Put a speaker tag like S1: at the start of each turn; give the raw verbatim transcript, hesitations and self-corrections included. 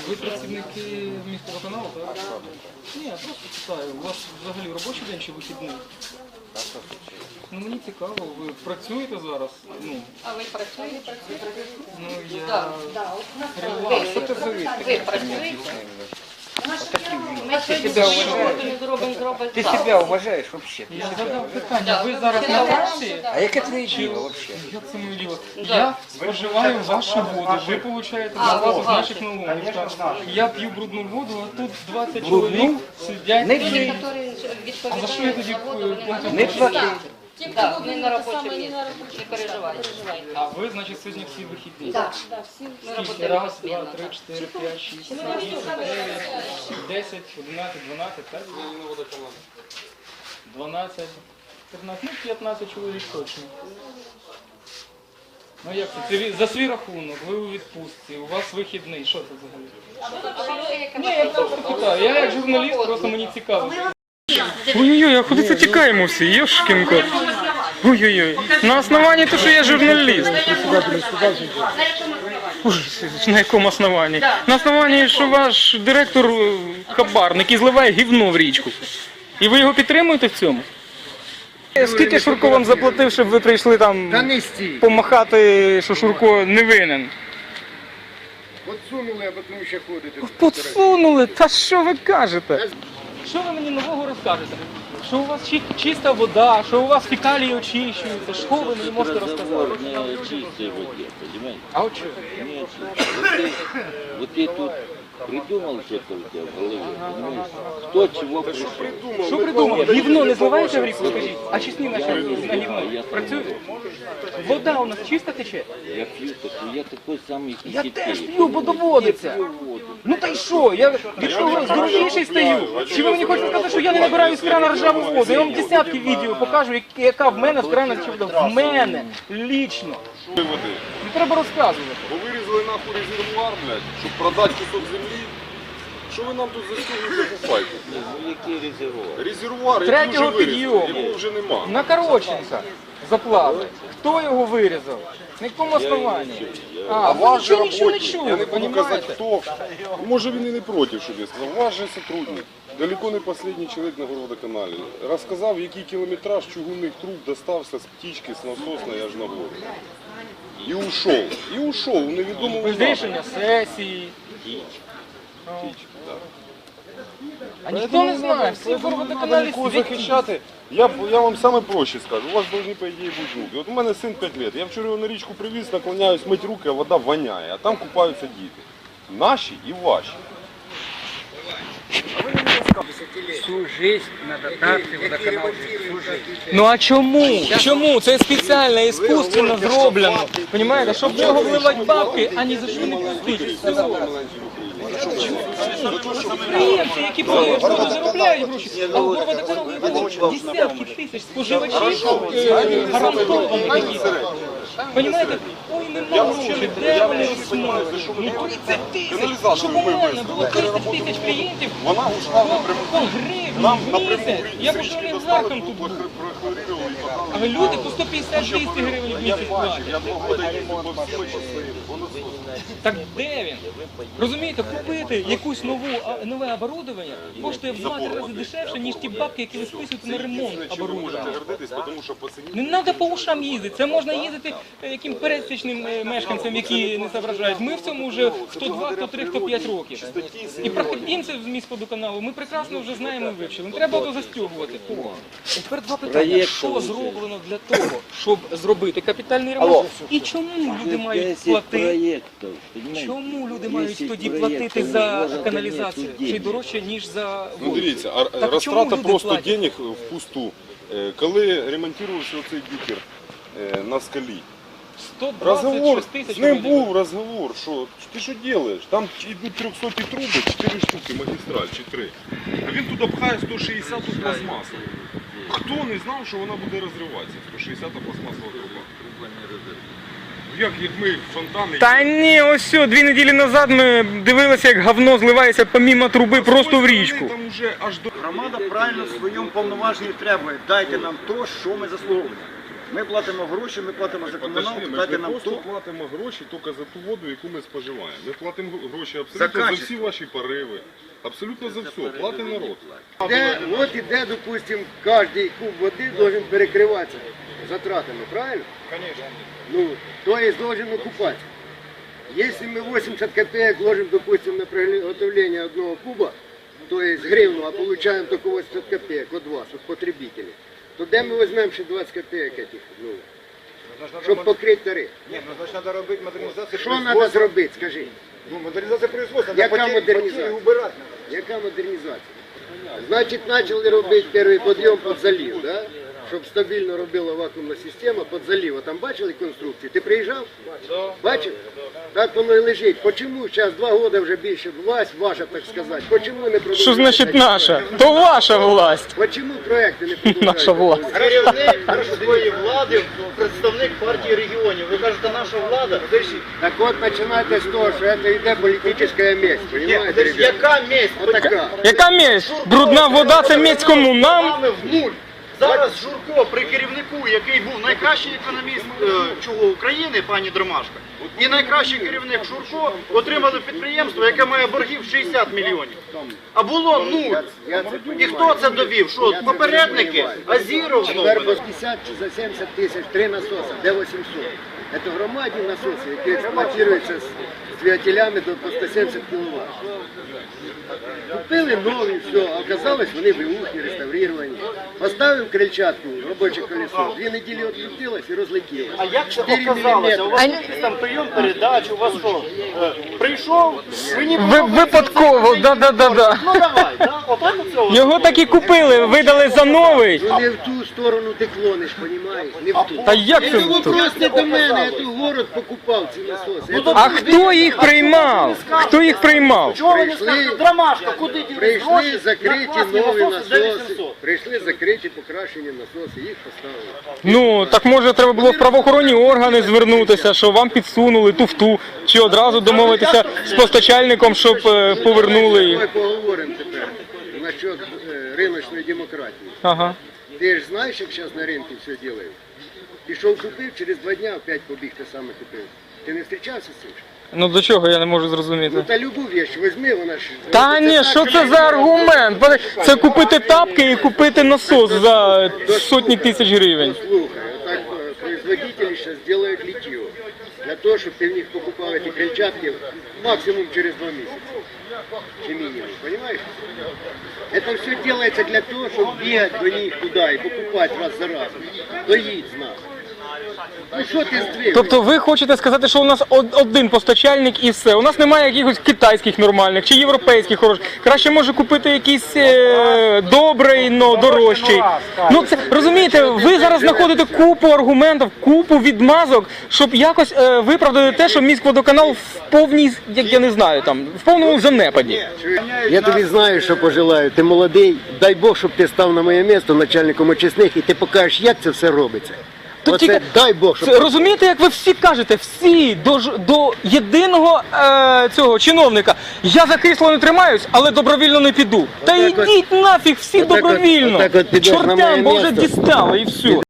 S1: Ви працівники міськводоканалу, так? Ні, я просто питаю, у вас взагалі робочий день чи вихідний? Ну, мені цікаво, ви працюєте зараз? Ну,
S2: А ви працюєте?
S1: ну я...
S2: Так, так.
S1: Реально, що це за вид?
S2: Ви працюєте? Ми
S3: Ты
S2: сьогодні
S3: себя
S2: роботу
S3: уважаешь?
S2: не зробимо, зробимо
S3: Ты
S2: завтра.
S3: себя уважаешь вообще?
S1: Я задав питання, ви зараз на вулиці?
S3: А яке твоє діло вообще?
S1: Як це моє діло? Я споживаю вашу воду, ви получаєте зарплату з наших налогів. так? Я п'ю брудну воду, а тут двадцять чоловік сидять.
S3: Не
S1: і-
S3: п'ю.
S1: А за що я тоді платю?
S3: Не плати.
S2: Так, не на робочому місці, не переживайте.
S1: А ви, значить, сьогодні всі вихідні?
S2: Так, ми
S1: Скільки?
S2: працюємо
S1: Раз, два,
S2: посмінно.
S1: три, чотири, п'ять, шість, сім, вісім, дев'ять, десять, одинадцять, дванадцять, так? дванадцять, п'ятнадцять, ну п'ятнадцять чоловік точно. Ну як це? Це ві- за свій рахунок, ви у відпустці, у вас вихідний, що це взагалі? Ні, я просто питаю, я як журналіст, просто мені цікаво. Ой-ой-ой, а куди це тікаємо всі, Йошкін кот. Ой-ой-ой, на основанні того, що я журналіст. Ой, на якому основанні? На основанні, що ваш директор е, хабарник і зливає гівно в річку. І ви його підтримуєте в цьому? Скільки Шурко вам заплатив, щоб ви прийшли там
S3: Та не стій.
S1: помахати, що Шурко не винен?
S3: Подсунули, а потім ще ходите.
S1: Подсунули? Та що ви кажете? Що ви мені нового розкажете? Що у вас чи- чиста вода, що у вас фекалії очищуються, що ви мені можете розказати?
S4: Разговор не о чистой воде, понимаете?
S1: А от що?
S4: Не о чистой. Вот ты, вот ты тут придумал что-то у тебя в голове, понимаешь? Кто чего пришел?
S1: Що придумали? Гівно не зливається в ріку, скажіть? А чесні наші на гівно працюють? Вода у нас чиста тече?
S4: Я пью такой, я такой самый
S1: Я
S4: кисетей.
S1: теж п'ю, бо доводиться.
S4: Пью воду.
S1: Ну та й що? Я від того здоровіший стаю. Чи ви мені хочете сказати, що я не набираю з крана ржаву воду? Я вам десятки відео покажу, як- яка в мене з крана ржава вода. В мене, лічно.
S5: води.
S1: Не треба розказувати.
S5: Бо вирізали нахуй резервуар, блядь, щоб продати кусок землі. Що ви нам тут застігуєте по файку?
S4: Ну який резервуар?
S5: Резервуар, який
S1: Третього
S5: вже вирізали,
S1: підйому.
S5: якого вже нема.
S1: На Короченка заплали. Хто його вирізав? На якому основанні? А,
S5: А
S1: ви
S5: ваш же
S1: нічого, нічого не
S5: работник,
S1: чули,
S5: я не буду казати
S1: понімаєте?
S5: хто, може він і не проти, щоб я сказав, ваш же сотрудник, далеко не останній чоловік на городоканалі, розказав, який кілометраж чугунних труб достався з птічки, з насосної аж на гору. І ушов, і ушов у невідомому
S1: Без рішення сесії. А ніхто не знає, всі в водоканалі
S5: Кого
S1: світі.
S5: захищати, я, б- я вам саме проще скажу, у вас повинні, по ідеї, бути руки. От у мене син п'ять років, я вчора його на річку привіз, наклоняюсь мить руки, а вода воняє, а там купаються діти. Наші і ваші.
S3: Всю жизнь надо дати водоканал. Всю жизнь.
S1: Ну а чому? Чому? Це спеціально, іскусственно зроблено. Понімаєте, щоб в нього вливати бабки, а ні за що не платити. Підприємці, які просто заробляють гроші, а в Горводоканал не було десятки тисяч споживачів е, гарантованих якісь. Понімаєте? Ой, нема грошей, де вони розсмоють? Ну тридцять тисяч, щоб у мене було тридцять тисяч клієнтів,
S5: Вона ушла напряму.
S1: по гривні
S5: Нам
S1: в
S5: напряму
S1: місяць. Я б уже олігархом тут був.
S5: прохлорировали і подали.
S1: А люди по сто п'ятдесят двісті гривень в місяць платять.
S5: Я два роки їздив по всій частині.
S1: Так де він? Розумієте, купити якусь нову, а, нове оборудовання коштує в два рази дешевше, ніж ті бабки, які ви списуєте на ремонт
S5: Чим ви можете
S1: оборудовання.
S5: гордитись, тому що по ціні
S1: Не треба по ушам їздити, це можна їздити е, яким пересічним е, мешканцям, які не соображають. Ми в цьому вже хто два, хто три, хто п'ять років. І проходимців з міськводоканалу ми прекрасно вже знаємо і вивчили. Не треба то застягувати. Тепер два питання. Що зроблено для того, щоб зробити капітальний ремонт? І чому люди мають платити?
S4: проєктів, понимаете?
S1: Чому люди мають
S4: десять
S1: тоді
S4: проєктів,
S1: платити за
S4: може,
S1: каналізацію?
S4: нету
S1: Чи дорожче, ніж за
S5: Ну
S1: воду?
S5: дивіться, а
S1: Так
S5: розтрата
S1: чому люди
S5: просто
S1: платять?
S5: денег впусту. Е, Коли ремонтувався оцей бікер е, на скалі,
S1: сто двадцять
S5: розговор,
S1: шість тисяч
S5: з ним
S1: вроді.
S5: був розговор, що ти що робиш? Там йдуть трьохсоті труби, чотири штуки, магістраль, чи три. А він туди пхає сто шістдесят пластмасу. Хто не знав, що вона буде розриватися, сто шістдесят пластмасова труба? Як, як ми фонтани...
S1: Та ні, ось все, дві неділі назад ми дивилися, як говно зливається помімо труби просто в річку.
S5: Там уже аж до...
S6: Громада правильно в своєму повноваженні требує. Дайте нам то, що ми заслуговуємо. Ми платимо гроші, ми платимо за комуналку,
S5: Подожди, ми ж
S6: дайте
S5: не
S6: нам
S5: просто
S6: ту.
S5: платимо гроші тільки за ту воду, яку ми споживаємо. Ми платимо гроші абсолютно за,
S6: качество.
S5: всі ваші пориви. Абсолютно за все. Платить народ.
S7: Де, от іде, допустим, кожен куб води должен перекриватися затратами, правильно? Конечно. Ну, то есть должен окупаться. Если мы восемьдесят копеек ложим, допустим, на приготовление одного куба, то есть гривну, а получаем только восемьдесят копеек от вас, от потребителей, то де ми візьмемо ще двадцять копеек этих, ну, щоб покрити тариф?
S6: Ні, ну значить треба робити модернізацію.
S7: Що треба зробити, скажи?
S6: Ну, модернізація производства.
S7: Яка модернізація? Яка модернізація? Значить, почали робити перший підйом під залив, да? Щоб стабільно робила вакуумна система під залив. Там бачили конструкції? Ти приїжджав? Бачив? Так воно і лежить. Почому зараз два роки вже більше власть, ваша, так сказати, почому не продовжується?
S1: Що значить наша? То ваша власть.
S7: Почему проекти не продовжуються?
S1: Наша власть.
S8: Керівник міської влади, представник партії регіонів. Ви кажете, наша влада?
S7: Так от починайте з того, що це йде політична месть, понимаете, ребята?
S8: Яка месть?
S7: Отака.
S1: Яка месть? Брудна вода це месть кому? Нам?
S8: Саме в нуль. Зараз Журко при керівнику, який був найкращий економіст е, чого України, пані Дромашка, і найкращий керівник Журко отримали підприємство, яке має боргів шістдесят мільйонів. А було нуль. І хто це довів? Що, попередники? Азіров знову?
S7: Тепер по п'ятдесят чи за сімдесят тисяч три насоси, де вісімсот? Це громадні насоси, які експлуатуються з двигателями до по сто сімдесят кіловат. Купили нові, все, а оказалось вони виухні, реставровані. Поставив крильчатку, робоче колесо, дві неділі відкрутилось і розлетілося.
S8: А як це
S7: чотири
S8: оказалося? У вас
S1: А-
S8: якийсь там прийом передач, у вас що? Е, Прийшов, ви ні
S1: Ви, випадково, да-да-да-да.
S8: Ну давай, да? Отак оце.
S1: Його так і купили, видали за новий.
S7: Ну не в ту сторону ти клониш, розумієш? Не в ту.
S1: Та як
S7: Це
S1: це?
S7: вопрос не до мене, я тут город покупав ці насоси. Це
S1: А хто їх приймав? Хто їх приймав?
S8: Чого ви не
S7: Прийшли-
S8: скажете? Дромашка, куди ділись
S7: Прийшли
S8: гроші?
S7: закриті
S8: На класні
S7: нові
S8: за
S7: насоси,
S8: вісімсот.
S7: прийшли закриті покращені насоси, їх поставили.
S1: Ну, так може треба було в правоохоронні органи звернутися, що вам підсунули туфту, чи одразу домовитися з постачальником, щоб е, повернули їх.
S7: Давай поговоримо тепер насчет е, риночної демократії.
S1: Ага.
S7: Ти ж знаєш, як зараз на ринку все роблять? Пішов купив, через два дня опять побіг те саме купив. Ти не зустрічався з цим?
S1: Ну до чого я не можу
S7: Ну
S1: зрозуміти.
S7: та любу вещь візьми, вона ж...
S1: Та ні, що це за аргумент? Це купити тапки і купити насос за сотні тисяч гривень.
S7: Слухай, отак е, производителі зараз роблять літьо. Для того, щоб ти в них покупав ці крильчатки максимум через два місяці. Чи мінімум, понимаешь? Это все делается для того, чтобы бегать до них туда и покупать раз за разом. Доїдь з нас. Ну що ти здвиг?
S1: Тобто ви хочете сказати, що у нас од- один постачальник і все. У нас немає якихось китайських нормальних чи європейських хороших. Краще може купити якийсь е, добрий, но дорожчий. Ну це розумієте, ви зараз знаходите купу аргументів, купу відмазок, щоб якось е, виправдати те, що міськводоканал в повній, як я не знаю, там в повному занепаді.
S7: Я тобі знаю, що пожелаю. Ти молодий. Дай Бог, щоб ти став на моє місце начальником очисних і ти покажеш, як це все робиться.
S1: Тут
S7: Оце
S1: тільки-
S7: дай Бог, щоб...
S1: Це, розумієте, як ви всі кажете, всі до, ж- до єдиного е, цього чиновника. Я за крісло не тримаюсь, але добровільно не піду. Та
S7: Отак от-
S1: йдіть нафіг всі
S7: отак от-
S1: добровільно.
S7: отак от підеш на моє
S1: Чортям, бо вже
S7: місто.
S1: дістали і все.